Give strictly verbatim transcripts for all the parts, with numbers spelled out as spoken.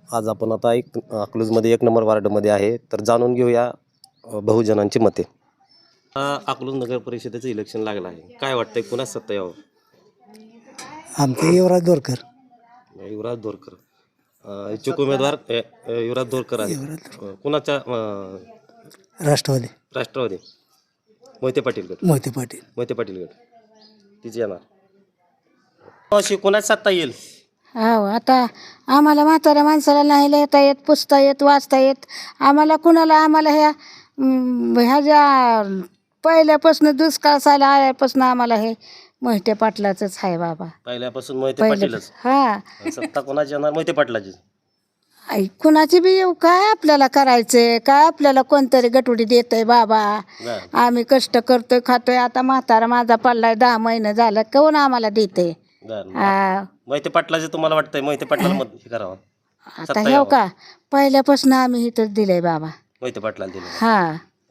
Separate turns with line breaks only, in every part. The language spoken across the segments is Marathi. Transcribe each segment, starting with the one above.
आज आपण आता एक अकलूजमध्ये एक नंबर वार्डमध्ये आहे, तर जाणून घेऊया अ, बहुजनांची मते. हा अकलूज नगर परिषदेचं इलेक्शन लागलं आहे, काय वाटतंय कुणाच सत्ता यावं?
आमचे युवराज दोरकर.
युवराज दोरकर अ, इच्छुक उमेदवार अ, अ, युवराज दोरकर आहे. अ, कुणाच्या अ,
राष्ट्रवादी
राष्ट्रवादी मोहिते पाटील गट.
मोहिते पाटील.
मोहिते पाटील गट तिचे येणार. अशी कुणाच सत्ता येईल?
हो, आता आम्हाला म्हाताऱ्या माणसाला नाही लिहिता येत, पुसता येत, वाचता येत. आम्हाला कुणाला आम्हाला ह्या अं, ह्या ज्या पहिल्यापासून दुष्काळ साला आल्यापासून आम्हाला हे मोहिते पाटलाचंच आहे बाबा.
पहिल्यापासून मोहिते
पहिले
पाटीलच.
हा
आणि सत्ता कोणाची येणार? मोहिते पाटलाची.
आई, कुणाची बी येऊ, काय आपल्याला करायचंय, काय आपल्याला कोणतरी गटुडी देतंय बाबा.
बरं.
आम्ही कष्ट करतोय, खातोय. आता म्हातारा माझा पडलाय, दहा महिने झालं, कोण आम्हाला देते?
बरं.
हा,
मोहिते पाटलाचे तुम्हाला वाटतंय मोहिते पाटलाला मत हे करावं?
आता
सत्ता
हे
यावं.
का पहिल्यापासून आम्ही इथंच दिलंय बाबा.
मोहिते पाटलाला दिलं.
हा,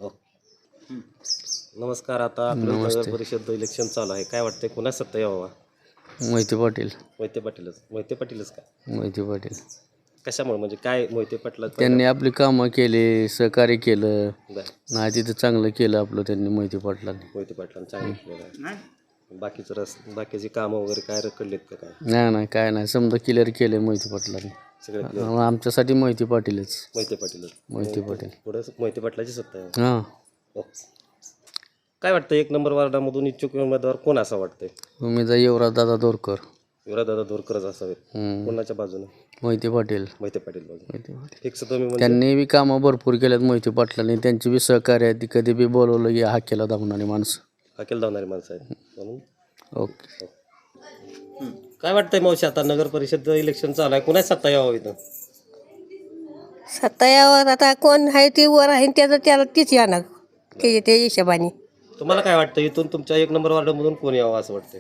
नमस्कार. आता आपलं नगर परिषद इलेक्शन चालू आहे, काय वाटतंय कुणाच सत्ता यावं?
मोहिते पाटील.
मोहिते पाटीलच. मोहिते पाटीलच का?
मोहिते पाटील
कशामुळे, म्हणजे काय मोहिते पाटला?
त्यांनी आपली कामं केली, सहकार्य केलं,
बरं.
नाही तिथं चांगलं केलं आपलं त्यांनी मोहिते पाटलांनी.
मोहिते पाटलांनी चांगलं केलं आहे. बाकीचं रस बाकीची कामं वगैरे काय रखडलेत का काय?
नाही नाही काय नाही, समजा क्लिअर केलं मोहिते पाटलांनी.
सगळे
अं, आमच्यासाठी मोहिते पाटीलच.
मोहिते पाटीलच.
मोहिते पाटील.
पुढे मोहिते पाटलाची सत्ता आहे.
हां,
हो. काय वाटतं एक नंबर वार्डामधून इच्छुक उमेदवार कोण असं वाटतंय?
तुम्ही जा युवराज दादा दोरकर.
युवराजदादा दोरकरच असावेत.
हम्म.
कोणाच्या बाजूने?
मोहिते पाटील.
मोहिते पाटील बाजूने.
मोहिते पाटील
फिक्स तुम्ही म्हणजे?
त्यांनी बी कामं भरपूर केल्यात मोहिते पाटलांनी. त्यांची बी सहकार्य आहे, ती कधी बी बोलवलं की हा केला धावणारी माणसं.
हाकेल धावणारी माणसं आहेत म्हणून.
ओके.
काय वाटतंय मावशी, आता नगर परिषद इलेक्शन चालू आहे, कुणाच सत्ता यावं इथं?
सत्ता यावर आता कोण आहे ती वर आहे त्याचं त्याला तीच येणार त्याच्या त्या हिशोबाने.
तुम्हाला काय वाटतं इथून तुमच्या एक नंबर वार्डामधून कोण यावं असं वाटतंय?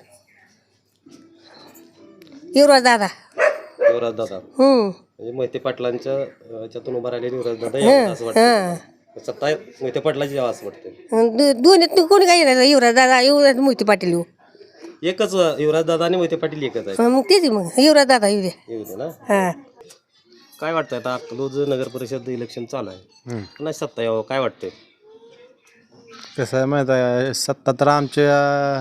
युवराज दादा.
युवराज दादा
हम्म
म्हणजे मोहिते पाटलांच्या अं, ह्याच्यातून उभा राहिलेले युवराज दादा यावं असं वाटतं. सत्ता मोहिते पाटलाची यावं असं वाटतंय.
दोन्हीत कोणी काय येणार? युवराज दादा, युवराज मोहिते पाटील येऊ.
एकच युवराज दादा आणि मोहिते पाटील एकच आहे.
हं, मग तेच मग युवराज दादा येऊ द्या.
येऊ दे ना.
हा,
काय वाटतंय आता अकलूज नगर परिषद इलेक्शन चालू आहे, कुणाची सत्ता यावं काय वाटतंय?
कसं आहे माहीत आहे, सत्ता तर आमच्या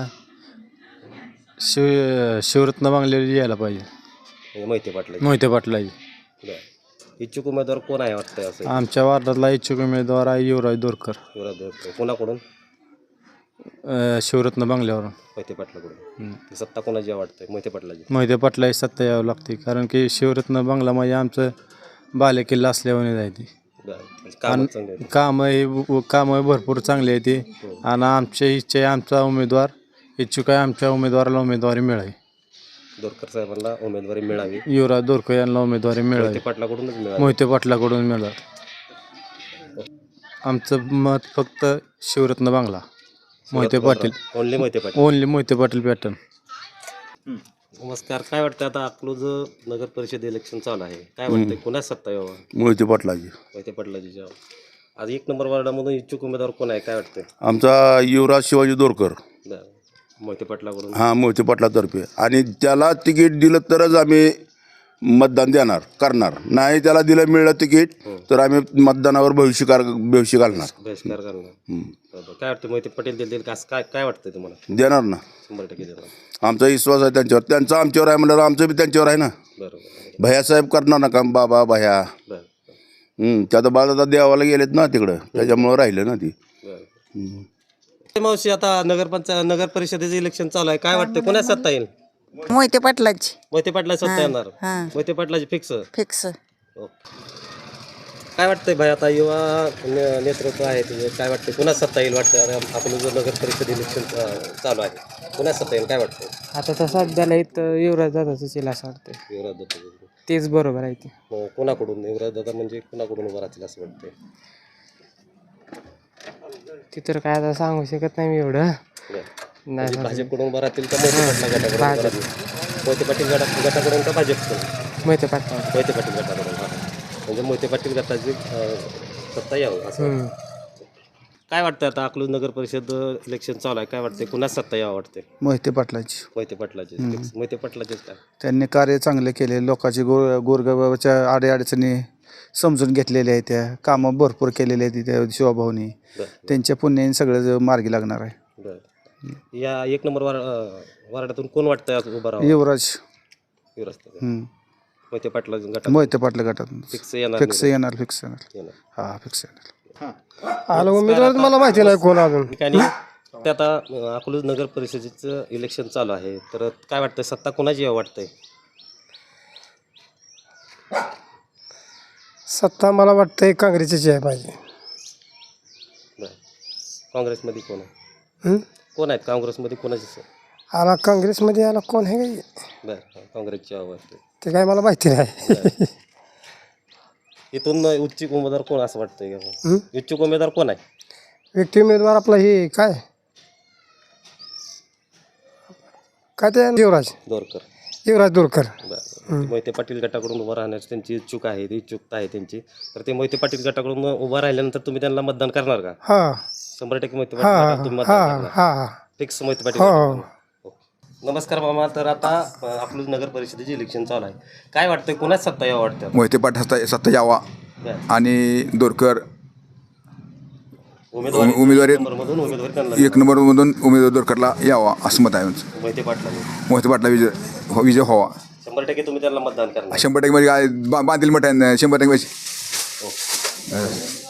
शिव शिवरत्न बांगलेली यायला पाहिजे.
म्हणजे मोहिते पाटला.
मोहिते पाटलाची.
इच्छुक उमेदवार कोण आहे वाटतंय असं?
आमच्या वार्डातला इच्छुक उमेदवार आहे युवराज दोरकर.
युवराज दादा. कोणाकडून?
अं, शिवरत्न बांगल्यावरून.
मोहिते पाटलाकडून. ती सत्ता कोणाची यावं वाटतंय? मोहिते पाटलाची.
मोहिते पाटलाची सत्ता यावं लागते, कारण की शिवरत्न बांगला म्हणजे आमचं बालेकिल्ला असल्यावर जाय ती.
बरं. म्हणजे कामं चांगली आहेत.
कामं हे कामं भरपूर चांगली आहे ती. आणि आमच्या इच्छा आहे आमचा उमेदवार इच्छुक आहे, आमच्या उमेदवाराला उमेदवारी मिळावी.
दोरकर साहेबांना उमेदवारी मिळावी.
युवराज दोरकर यांना उमेदवारी मिळावी.
मोहिते पाटलाकडूनच मिळावी.
मोहिते पाटलाकडून मिळालं. आमचं मत फक्त शिवरत्न बांगला. Mohite Patil.
Only Mohite Patil.
Only Mohite Patil pattern.
नमस्कार. काय वाटतं आता अकलूज नगर परिषद इलेक्शन चालू आहे, काय वाटतंय कुणाच सत्ता यावं?
मोहिते पाटलाची.
मोहिते पाटलाची यावं. आज एक नंबर वार्डामधून इच्छुक उमेदवार कोण आहे काय वाटतंय?
आमचा युवराज शिवाजी दोरकर.
बरं. मोहिते पाटलाकडून.
हां, मोहिते पाटलातर्फे. आणि त्याला तिकीट दिलं तरच आम्ही मतदान देणार करणार, नाही त्याला दिलं मिळलं तिकीट तर आम्ही मतदानावर भविष्य भविष्य घालणार.
बहिष्कार करणार. बरं. काय वाटतं मोहिते पाटील देतील का असं काय काय वाटतंय तुम्हाला?
देणार ना,
शंभर टक्के देणार.
आमचा विश्वास आहे त्यांच्यावर. त्यांचा आमच्यावर आहे म्हणल्यावर आमचं बी त्यांच्यावर आहे ना.
बरोबर.
भैयासाहेब करणार ना काम, बाबा भैया.
बरं.
हं, त्या तर बाळा देवाला गेलेत ना तिकडं, त्याच्यामुळं राहिलं ना ती.
बरं. मावशी, आता नगरपंचायत नगर परिषदेचं इलेक्शन चालू आहे, काय वाटतं कोणाच सत्ता येईल?
मोहिते पाटलाची
मोहिते पाटला सत्ता येणार. मोहिते पाटलाची फिक्स.
फिक्स.
काय वाटतंय भाई, आता युवा ने- नेतृत्व आहे तुझं, काय वाटतं कुणाच सत्ता येईल वाटतं? आपण जर नगर परिषद इलेक्शन चालू आहे, कुणाच सत्ता येईल काय वाटतं?
आता तर सध्याला इथं युवराज दादाच येईल असं वाटतं.
युवराज दादा.
तेच बरोबर आहे ते.
मग कोणाकडून युवराज दादा म्हणजे कोणाकडून उभं राहतील असं वाटतंय?
ते तर काय आता सांगू शकत नाही मी एवढं.
म्हणजे
नाही
भाजपकडून उभं राहतील का मोहिते पाटला गटाकडून उभं राहतील? मोहिते पाटील गटा गटाकडून का भाजपकडून?
माहिती पाटला.
मोहिते पाटील गटाकडून. हा. म्हणजे मोहिते पाटील गटाची अं, सत्ता यावं असं. काय वाटतं आता अकलूज नगर परिषद इलेक्शन चालू आहे, काय वाटतंय कुणाच सत्ता यावं वाटते?
मोहिते पाटलाची
मोहिते पाटलाचे Fix. मोहिते पाटलाचेच काय?
त्यांनी कार्य चांगले केले, लोकांची गोर गोरगरिबाच्या अडीअडचणी समजून घेतलेल्या आहेत, त्या कामं भरपूर केलेले आहेत त्या शिवाभाऊनी.
बरं
त्यांच्या पुण्याने सगळं मार्गी लागणार आहे.
बरं या एक नंबर वार अं, वार्डातून कोण वाटतंय आज उभं राहावं?
युवराज
युवराज तात्या.
हम्म.
मोहिते पाटला गटात
मोहिते पाटला गटात
फिक्स येणार
फिक्स
निवडून?
येणार फिक्स येणार
येणार.
हा फिक्स येणार.
आलं उमेदवार मला माहिती नाही कोण अजून.
ठिकाणी ते आता अं, अकलूज नगर परिषदेचं इलेक्शन चालू आहे, तर काय वाटतंय सत्ता कोणाची यावं वाटतंय?
सत्ता मला वाटतंय काँग्रेसची आहे पाहिजे.
बरं काँग्रेसमध्ये कोण आहे?
हं?
कोण आहेत काँग्रेसमध्ये कोणाची?
आला काँग्रेसमध्ये आला कोण आहे काही
बरं काँग्रेसची हवं वाटते.
ते काय मला माहिती नाही.
इथून इच्छुक उमेदवार कोण असं वाटतंय का?
हं?
इच्छुक उमेदवार कोण आहे?
व्यक्ती उमेदवार आपला हे काय काय ते युवराज
दोरकर.
युवराज दोरकर.
बरं मोहिते पाटील गटाकडून उभं राहण्याची त्यांची इच्छुक आहे इच्छुकता आहे त्यांची, तर ते मोहिते पाटील गटाकडून उभं राहिल्यानंतर तुम्ही त्यांना मतदान करणार का?
हां
शंभर टक्के मोहिते
हां
पाटील गटाला तुम्ही मतदान
हां
करणार?
हां
फिक्स मोहिते पाटील
हो.
गटाकडून. ओके. नमस्कार मामा, तर आता अं, अकलूज नगर परिषदेचे इलेक्शन चालू आहे, काय वाटतंय कोणाच सत्ता यावं वाटतं?
मोहिते पाटील सत्ता सत्ता यावा
बरं.
आणि दोरकर
उमेदवारी
उमेदवारी-
नंबरमधून उमेदवारी त्यांना
एक नंबरमधून उमेदवार दोरकरला यावा असं मत आहे आमचं.
मोहिते पाटलांनी
मोहिते पाटला विजय हो विजय व्हावा.
शंभर टक्के तुम्ही त्यांना मतदान करणार?
शंभर टक्के म्हणजे काय बा- बांधील मठ आहे शंभर टक्के म्हणजे
ओके.